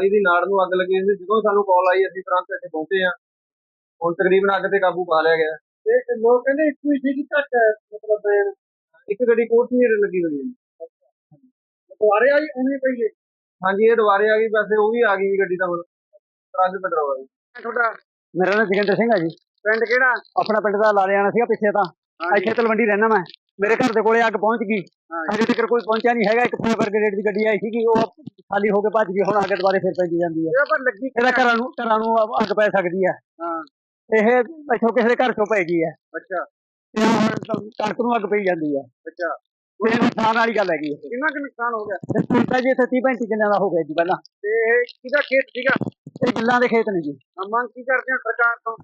ਪਰਾਲੀ ਦੀ ਨਾੜ ਨੂੰ ਅੱਗ ਲੱਗੀ ਸੀ। ਜਦੋਂ ਸਾਨੂੰ ਕਾਲ ਆਈ ਅਸੀਂ ਤੁਰੰਤ ਇੱਥੇ ਪਹੁੰਚੇ ਹਾਂ। ਹੁਣ ਤਕਰੀਬਨ ਅੱਗ ਤੇ ਕਾਬੂ ਪਾ ਲਿਆ ਗਿਆ। ਤੇ ਲੋਕ ਕਹਿੰਦੇ ਇੱਕੋ ਹੀ ਸੀ ਕਿ ਘੱਟ ਹੈ, ਮਤਲਬ ਇੱਕ ਗੱਡੀ ਕੋਠੀ ਲੱਗੀ ਹੋਈ ਹੈ। ਦੁਆਰੇ ਆਈ ਉਵੇਂ ਪਈ ਹੈ। ਹਾਂਜੀ, ਇਹ ਦੁਬਾਰੇ ਆ ਗਈ, ਵੈਸੇ ਉਹ ਵੀ ਆ ਗਈ ਗੱਡੀ ਤਾਂ ਹੁਣ ਟਰੱਕ ਪੈਟਰੋਲ ਵਾਲੀ। ਤੁਹਾਡਾ ਮੇਰਾ ਨਾਮ ਜੋਗਿੰਦਰ ਸਿੰਘ ਹੈ ਜੀ। ਪਿੰਡ ਕਿਹੜਾ? ਆਪਣਾ ਪਿੰਡ ਦਾ ਲਾਲਿਆਣਾ ਸੀਗਾ ਪਿੱਛੇ ਤਾਂ। ਇੱਥੇ ਤਲਵੰਡੀ ਰਹਿਣਾ ਮੈਂ। ਮੇਰੇ ਘਰ ਦੇ ਕੋਲੇ ਅੱਗ ਪਹੁੰਚ ਗਈ। ਅਜੇ ਤੱਕ ਕੋਈ ਪਹੁੰਚਿਆ ਨਹੀਂ ਹੈਗਾ। ਇੱਕ ਫਾਇਰ ਬ੍ਰਿਗੇਡ ਦੀ ਗੱਡੀ ਆਈ ਸੀਗੀ, ਉਹ ਖਾਲੀ ਹੋ ਕੇ ਭੱਜ ਗਈ। ਹੁਣ ਅੱਗ ਦੁਬਾਰੇ ਫਿਰ ਪੈਂਦੀ ਜਾਂਦੀ ਹੈ। ਪਰ ਲੱਗੀ ਇਹਦਾ ਘਰਾਂ ਨੂੰ ਅੱਗ ਪੈ ਸਕਦੀ ਹੈ। ਇਹ ਇੱਥੋਂ ਕਿਸੇ ਦੇ ਘਰ ਚੋਂ ਪੈ ਗਈ ਹੈ। ਅੱਛਾ। ਤੇ ਹੁਣ ਕਣਕ ਨੂੰ ਅੱਗ ਪਈ ਜਾਂਦੀ ਹੈ। ਅੱਛਾ, ਇਹ ਨੁਕਸਾਨ ਵਾਲੀ ਗੱਲ ਹੈਗੀ। ਕਿੰਨਾ ਕੁ ਨੁਕਸਾਨ ਹੋ ਗਿਆ? ਤਾਂ ਜੀ ਇੱਥੇ 30-35 ਕਿੱਲਿਆਂ ਦਾ ਹੋ ਗਿਆ ਜੀ ਪਹਿਲਾਂ। ਤੇ ਇਹ ਕਿਹਦਾ ਖੇਤ ਸੀਗਾ? ਇਹ ਗਿੱਲਾਂ ਦੇ ਖੇਤ ਨੇ ਜੀ। ਮੰਗ ਕੀ ਕਰਦੇ ਹੋ ਸਰਕਾਰ ਤੋਂ?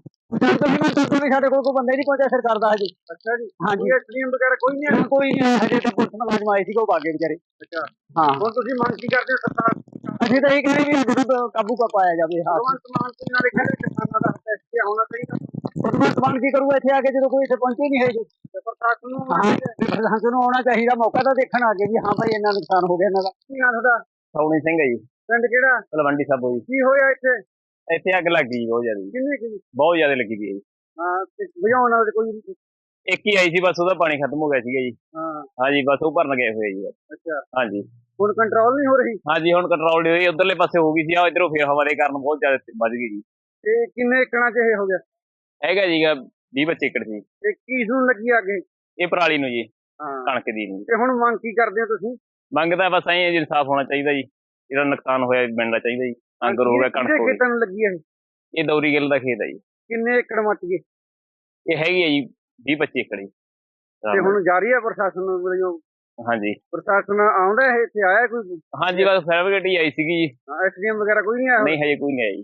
ਵੀ ਸਾਡੇ ਕੋਲ ਕੋਈ ਬੰਦਾ ਹੀ ਨਹੀਂ ਪਹੁੰਚਿਆ ਸਰਕਾਰ ਦਾ ਹਜੇ। ਅੱਛਾ ਜੀ। ਹਾਂਜੀ, ਐਸਡੀਐਮ ਵਗੈਰਾ ਕੋਈ ਨਹੀਂ ਆਇਆ? ਕੋਈ ਨਹੀਂ ਹਜੇ ਤਾਂ ਪੁਲਿਸ ਮੁਲਾਜ਼ਮ ਆਏ ਸੀਗੇ, ਉਹ ਭਾਗੇ ਵਿਚਾਰੇ। ਅੱਛਾ। ਹਾਂ, ਹੁਣ ਤੁਸੀਂ ਮੰਗ ਕੀ ਕਰਦੇ ਹੋ ਸਰਕਾਰ? ਅਸੀਂ ਤਾਂ ਇਹ ਕਹਿੰਦੇ ਵੀ ਅੱਗ ਨੂੰ ਕਾਬੂ ਪਾਇਆ ਜਾਵੇ। ਹਾਂ, ਭਗਵੰਤ ਮਾਨ ਜੀ ਨਾਲੇ ਕਹਿੰਦੇ ਕਿਸਾਨਾਂ ਦਾ ਫੈਸਲਾ ਹੋਣਾ ਚਾਹੀਦਾ। ਭਗਵੰਤ ਮਾਨ ਕੀ ਕਰੂ ਇੱਥੇ ਆ ਕੇ ਜਦੋਂ ਕੋਈ ਇੱਥੇ ਪਹੁੰਚੇ ਨਹੀਂ ਹੈਗੇ। ਤੇ ਪ੍ਰਸ਼ਾਸਨ ਨੂੰ ਪ੍ਰਸ਼ਾਸਨ ਨੂੰ ਆਉਣਾ ਚਾਹੀਦਾ, ਮੌਕਾ ਤਾਂ ਦੇਖਣ ਆ ਕੇ ਵੀ ਹਾਂ ਭਾਈ ਇੰਨਾ ਨੁਕਸਾਨ ਹੋ ਗਿਆ ਇਹਨਾਂ ਦਾ। ਕੀ ਨਾਂ ਤੁਹਾਡਾ? ਸੌਣੀ ਸਿੰਘ ਹੈ ਜੀ, ਪਿੰਡ ਕਿਹੜਾ? ਤਲਵੰਡੀ ਸਾਬੋ ਜੀ। ਕੀ ਹੋਇਆ ਇੱਥੇ? ਇੱਥੇ ਅੱਗ ਲੱਗ ਗਈ ਬਹੁਤ ਜ਼ਿਆਦਾ, ਕਿੰਨੇ ਕੀ? ਬਹੁਤ ਜ਼ਿਆਦਾ ਲੱਗੀ ਪਈ ਹੈ ਜੀ। ਹਾਂ, ਤੇ ਬੁਝਾਉਣ ਵਾਲੇ ਕੋਈ? ਇੱਕ ਹੀ ਆਈ ਸੀ ਬਸ, ਉਹਦਾ ਪਾਣੀ ਖਤਮ ਹੋ ਗਿਆ ਸੀਗਾ ਜੀ। ਹਾਂ। ਹਾਂਜੀ, ਬਸ ਉਹ ਭਰਨ ਗਏ ਹੋਏ ਜੀ। ਅੱਛਾ। ਹਾਂਜੀ, ਹੁਣ ਕੰਟਰੋਲ ਨਹੀਂ ਹੋ ਰਹੀ? ਹਾਂਜੀ ਹੁਣ ਕੰਟਰੋਲ ਨਹੀਂ ਹੋਈ। ਉਧਰਲੇ ਪਾਸੇ ਹੋ ਗਈ ਸੀ, ਆ ਇਧਰੋਂ ਫੇਰ ਹਵਾ ਦੇ ਕਾਰਨ ਬਹੁਤ ਜ਼ਿਆਦਾ ਵੱਧ ਗਈ ਜੀ। ਤੇ ਕਿੰਨੇ ਏਕੜਾਂ 'ਚ ਇਹ ਹੋ ਗਿਆ? ਹੈਗਾ ਜੀਗਾ 20-25 ਏਕੜ ਸੀ। ਤੇ ਕਿਸ ਨੂੰ ਲੱਗੀ ਅੱਗੇ? ਇਹ ਪਰਾਲੀ ਨੂੰ ਜੀ, ਹਾਂ। ਕਣਕ ਦੀ ਨੂੰ। ਤੇ ਹੁਣ ਮੰਗ ਕੀ ਕਰਦੇ ਹੋ ਤੁਸੀਂ? ਮੰਗਦਾ ਬਸ ਐਂ ਜੀ, ਇਨਸਾਫ ਹੋਣਾ ਚਾਹੀਦਾ ਜੀ। ਇਹਦਾ ਨੁਕਸਾਨ ਹੋਇਆ ਮਿਲਣਾ ਚਾਹੀਦਾ ਜੀ। ਅੰਗਰ ਹੋ ਗਿਆ, ਕਣਕ ਹੋ ਗਈ। ਖੇਤਾਂ ਨੂੰ ਲੱਗੀ ਹੈ? ਇਹ ਦੌਰੀ ਗਿੱਲ ਦਾ ਖੇਤ ਹੈ ਜੀ। ਕਿੰਨੇ ਏਕੜ ਮੱਚ ਗਏ? ਇਹ ਹੈਗੀ ਹੈ ਜੀ 20-25 ਏਕੜ ਜੀ। ਤੇ ਹੁਣ ਜਾਰੀ ਹੈ ਪ੍ਰਸ਼ਾਸਨ ਵੱਲੋਂ? ਹਾਂਜੀ, ਪ੍ਰਸ਼ਾਸਨ ਆਉਂਦਾ ਹੈ ਇੱਥੇ? ਆਇਆ ਕੋਈ? ਹਾਂਜੀ ਬਸ ਫਾਇਰ ਬ੍ਰਿਗੇਡ ਹੀ ਆਈ ਸੀਗੀ ਜੀ। ਐਸਡੀਐਮ ਵਗੈਰਾ ਕੋਈ ਨਹੀਂ ਆਇਆ? ਨਹੀਂ ਹਜੇ ਕੋਈ ਨਹੀਂ ਆਇਆ ਜੀ।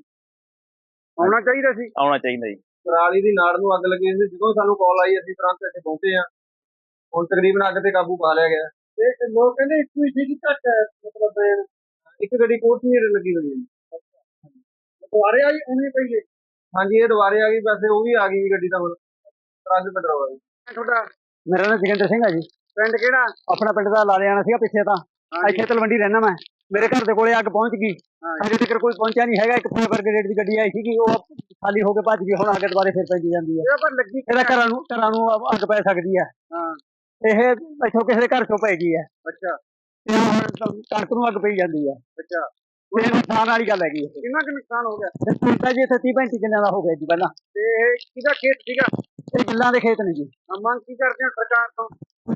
ਆਉਣਾ ਚਾਹੀਦਾ ਸੀ। ਆਉਣਾ ਚਾਹੀਦਾ ਜੀ। ਪਰਾਲੀ ਦੀ ਨਾੜ ਨੂੰ ਅੱਗ ਲੱਗੀ ਸੀ। ਜਦੋਂ ਸਾਨੂੰ ਕਾਲ ਆਈ ਅਸੀਂ ਤੁਰੰਤ ਇੱਥੇ ਪਹੁੰਚੇ ਹਾਂ। ਹੁਣ ਤਕਰੀਬਨ ਅੱਗ ਤੇ ਕਾਬੂ ਪਾ ਲਿਆ ਗਿਆ। ਤੇ ਲੋਕ ਕਹਿੰਦੇ ਇੱਕੋ ਹੀ ਸੀ ਕਿ ਘੱਟ ਹੈ, ਮਤਲਬ ਇੱਕ ਗੱਡੀ ਕੋਠੀ ਲੱਗੀ ਹੋਈ ਹੈ। ਦੁਆਰੇ ਆਈ ਉਵੇਂ ਪਈ ਹੈ। ਹਾਂਜੀ, ਇਹ ਦੁਬਾਰੇ ਆ ਗਈ, ਵੈਸੇ ਉਹ ਵੀ ਆ ਗਈ ਗੱਡੀ ਤਾਂ ਹੁਣ ਟਰੱਕ ਪੈਟਰੋਲ ਵਾਲੀ। ਤੁਹਾਡਾ? ਮੇਰਾ ਨਾਮ ਜੋਗਿੰਦਰ ਸਿੰਘ ਹੈ ਜੀ। ਪਿੰਡ ਕਿਹੜਾ? ਆਪਣਾ ਪਿੰਡ ਦਾ ਲਾਲਿਆਣਾ ਸੀਗਾ ਪਿੱਛੇ ਤਾਂ। ਇੱਥੇ ਤਲਵੰਡੀ ਰਹਿਣਾ ਮੈਂ। ਮੇਰੇ ਘਰ ਦੇ ਕੋਲੇ ਅੱਗ ਪਹੁੰਚ ਗਈ। ਅਜੇ ਤੱਕ ਕੋਈ ਪਹੁੰਚਿਆ ਨਹੀਂ ਹੈਗਾ। ਇੱਕ ਫਾਇਰ ਬ੍ਰਿਗੇਡ ਦੀ ਗੱਡੀ ਆਈ ਸੀਗੀ, ਉਹ ਖਾਲੀ ਹੋ ਕੇ ਭੱਜ ਗਈ। ਹੁਣ ਅੱਗ ਦੁਬਾਰੇ ਫਿਰ ਪੈਂਦੀ ਜਾਂਦੀ ਹੈ। ਪਰ ਲੱਗੀ ਇਹਦਾ ਘਰਾਂ ਨੂੰ ਅੱਗ ਪੈ ਸਕਦੀ ਹੈ। ਹਾਂ। ਇਹ ਇੱਥੋਂ ਕਿਸੇ ਦੇ ਘਰ ਚੋਂ ਪੈ ਗਈ ਹੈ। ਅੱਛਾ। ਤੇ ਹੁਣ ਕਣਕ ਨੂੰ ਅੱਗ ਪਈ ਜਾਂਦੀ ਹੈ। ਅੱਛਾ। ਇਹ ਨੁਕਸਾਨ ਵਾਲੀ ਗੱਲ ਹੈਗੀ। ਕਿੰਨਾ ਕੁ ਨੁਕਸਾਨ ਹੋ ਗਿਆ? ਤਾਂ ਜੀ ਇੱਥੇ 30-35 ਕਿੱਲਿਆਂ ਦਾ ਹੋ ਗਿਆ ਜੀ ਪਹਿਲਾਂ। ਤੇ ਇਹ ਕਿਹਦਾ ਖੇਤ ਸੀਗਾ? ਇਹ ਗਿੱਲਾਂ ਦੇ ਖੇਤ ਨੇ ਜੀ। ਮੰਗ ਕੀ ਕਰਦੇ ਹੋ ਸਰਕਾਰ ਤੋਂ?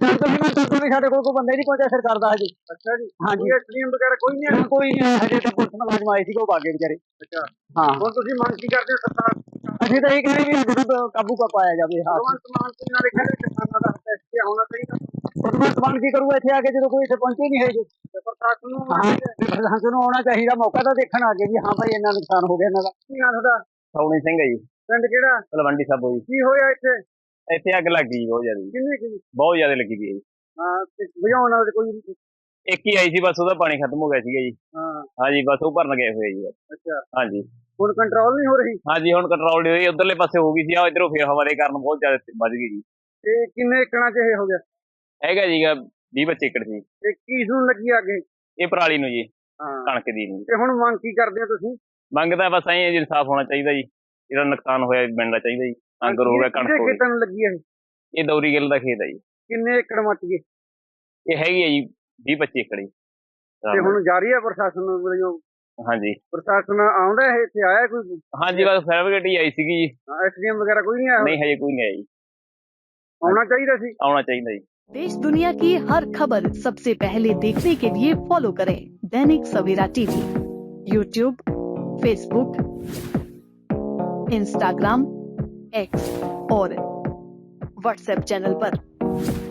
ਵੀ ਸਾਡੇ ਕੋਲ ਕੋਈ ਬੰਦਾ ਹੀ ਨਹੀਂ ਪਹੁੰਚਿਆ ਸਰਕਾਰ ਦਾ ਹਜੇ। ਅੱਛਾ ਜੀ। ਹਾਂਜੀ, ਐਸਡੀਐਮ ਵਗੈਰਾ ਕੋਈ ਨਹੀਂ ਆਇਆ? ਕੋਈ ਨਹੀਂ ਹਜੇ ਤਾਂ ਪੁਲਿਸ ਮੁਲਾਜ਼ਮ ਆਏ ਸੀਗੇ, ਉਹ ਭਾਗੇ ਵਿਚਾਰੇ। ਅੱਛਾ। ਹਾਂ, ਹੁਣ ਤੁਸੀਂ ਮੰਗ ਕੀ ਕਰਦੇ ਹੋ ਸਰਕਾਰ? ਅਸੀਂ ਤਾਂ ਇਹ ਕਹਿੰਦੇ ਵੀ ਅੱਗ ਨੂੰ ਕਾਬੂ ਪਾਇਆ ਜਾਵੇ। ਹਾਂ, ਭਗਵੰਤ ਮਾਨ ਜੀ ਨਾਲੇ ਕਹਿੰਦੇ ਕਿਸਾਨਾਂ ਦਾ ਫੈਸਲਾ ਹੋਣਾ ਚਾਹੀਦਾ। ਭਗਵੰਤ ਮਾਨ ਕੀ ਕਰੂ ਇੱਥੇ ਆ ਕੇ ਜਦੋਂ ਕੋਈ ਇੱਥੇ ਪਹੁੰਚੇ ਨਹੀਂ ਹੈਗੇ। ਤੇ ਪ੍ਰਸ਼ਾਸਨ ਨੂੰ ਪ੍ਰਸ਼ਾਸਨ ਨੂੰ ਆਉਣਾ ਚਾਹੀਦਾ, ਮੌਕਾ ਤਾਂ ਦੇਖਣ ਆ ਕੇ ਵੀ ਹਾਂ ਭਾਈ ਇੰਨਾ ਨੁਕਸਾਨ ਹੋ ਗਿਆ ਇਹਨਾਂ ਦਾ। ਕੀ ਨਾਂ ਤੁਹਾਡਾ? ਸੌਣੀ ਸਿੰਘ ਹੈ ਜੀ, ਪਿੰਡ ਕਿਹੜਾ? ਤਲਵੰਡੀ ਸਾਬੋ ਜੀ। ਕੀ ਹੋਇਆ ਇੱਥੇ? ਇੱਥੇ ਅੱਗ ਲੱਗ ਗਈ ਬਹੁਤ ਜ਼ਿਆਦਾ, ਕਿੰਨੇ ਕੀ? ਬਹੁਤ ਜ਼ਿਆਦਾ ਲੱਗੀ ਪਈ ਹੈ ਜੀ। ਹਾਂ, ਤੇ ਬੁਝਾਉਣ ਵਾਲੇ ਕੋਈ? ਇੱਕ ਹੀ ਆਈ ਸੀ ਬਸ, ਉਹਦਾ ਪਾਣੀ ਖਤਮ ਹੋ ਗਿਆ ਸੀਗਾ ਜੀ। ਹਾਂ। ਹਾਂਜੀ, ਬਸ ਉਹ ਭਰਨ ਗਏ ਹੋਏ ਜੀ। ਅੱਛਾ। ਹਾਂਜੀ, ਹੁਣ ਕੰਟਰੋਲ ਨਹੀਂ ਹੋ ਰਹੀ? ਹਾਂਜੀ ਹੁਣ ਕੰਟਰੋਲ ਨਹੀਂ ਹੋਈ। ਉਧਰਲੇ ਪਾਸੇ ਹੋ ਗਈ ਸੀ, ਆ ਇਧਰੋਂ ਫੇਰ ਹਵਾ ਦੇ ਕਾਰਨ ਬਹੁਤ ਜ਼ਿਆਦਾ ਵੱਧ ਗਈ ਜੀ। ਤੇ ਕਿੰਨੇ ਏਕੜਾਂ 'ਚ ਇਹ ਹੋ ਗਿਆ? ਹੈਗਾ ਜੀਗਾ 20-25 ਏਕੜ ਸੀ। ਤੇ ਕਿਸ ਨੂੰ ਲੱਗੀ ਅੱਗੇ? ਇਹ ਪਰਾਲੀ ਨੂੰ ਜੀ, ਹਾਂ। ਕਣਕ ਦੀ ਨੂੰ। ਤੇ ਹੁਣ ਮੰਗ ਕੀ ਕਰਦੇ ਹੋ ਤੁਸੀਂ? ਮੰਗਦਾ ਬਸ ਐਂ ਜੀ, ਇਨਸਾਫ ਹੋਣਾ ਚਾਹੀਦਾ ਜੀ। ਇਹਦਾ ਨੁਕਸਾਨ ਹੋਇਆ ਮਿਲਣਾ ਚਾਹੀਦਾ ਜੀ। ਅੰਗਰ ਹੋ ਗਿਆ, ਕਣਕ ਹੋ ਗਈ। ਖੇਤਾਂ ਨੂੰ ਲੱਗੀ ਹੈ? ਇਹ ਦੌਰੀ ਗਿੱਲ ਦਾ ਖੇਤ ਹੈ ਜੀ। ਕਿੰਨੇ ਏਕੜ ਮੱਚ ਗਏ? ਇਹ ਹੈਗੀ ਹੈ ਜੀ 20-25 ਏਕੜ ਜੀ। ਤੇ ਹੁਣ ਜਾਰੀ ਹੈ ਪ੍ਰਸ਼ਾਸਨ ਵੱਲੋਂ? ਹਾਂਜੀ, ਪ੍ਰਸ਼ਾਸਨ ਆਉਂਦਾ ਹੈ ਇੱਥੇ? ਆਇਆ ਕੋਈ? ਹਾਂਜੀ ਬਸ ਫਾਇਰ ਬ੍ਰਿਗੇਡ ਹੀ ਆਈ ਸੀਗੀ ਜੀ। ਐਸਡੀਐਮ ਵਗੈਰਾ ਕੋਈ नहीं आया? ਨਹੀਂ ਹਜੇ ਕੋਈ ਨਹੀਂ ਆਇਆ ਜੀ। आना चाहिए ਸੀ। ਆਉਣਾ ਚਾਹੀਦਾ ਜੀ। देश दुनिया की हर खबर सबसे पहले देखने के लिए फॉलो करें Dainik Savera TV, YouTube, Facebook, Instagram, X और व्हाट्सएप चैनल पर।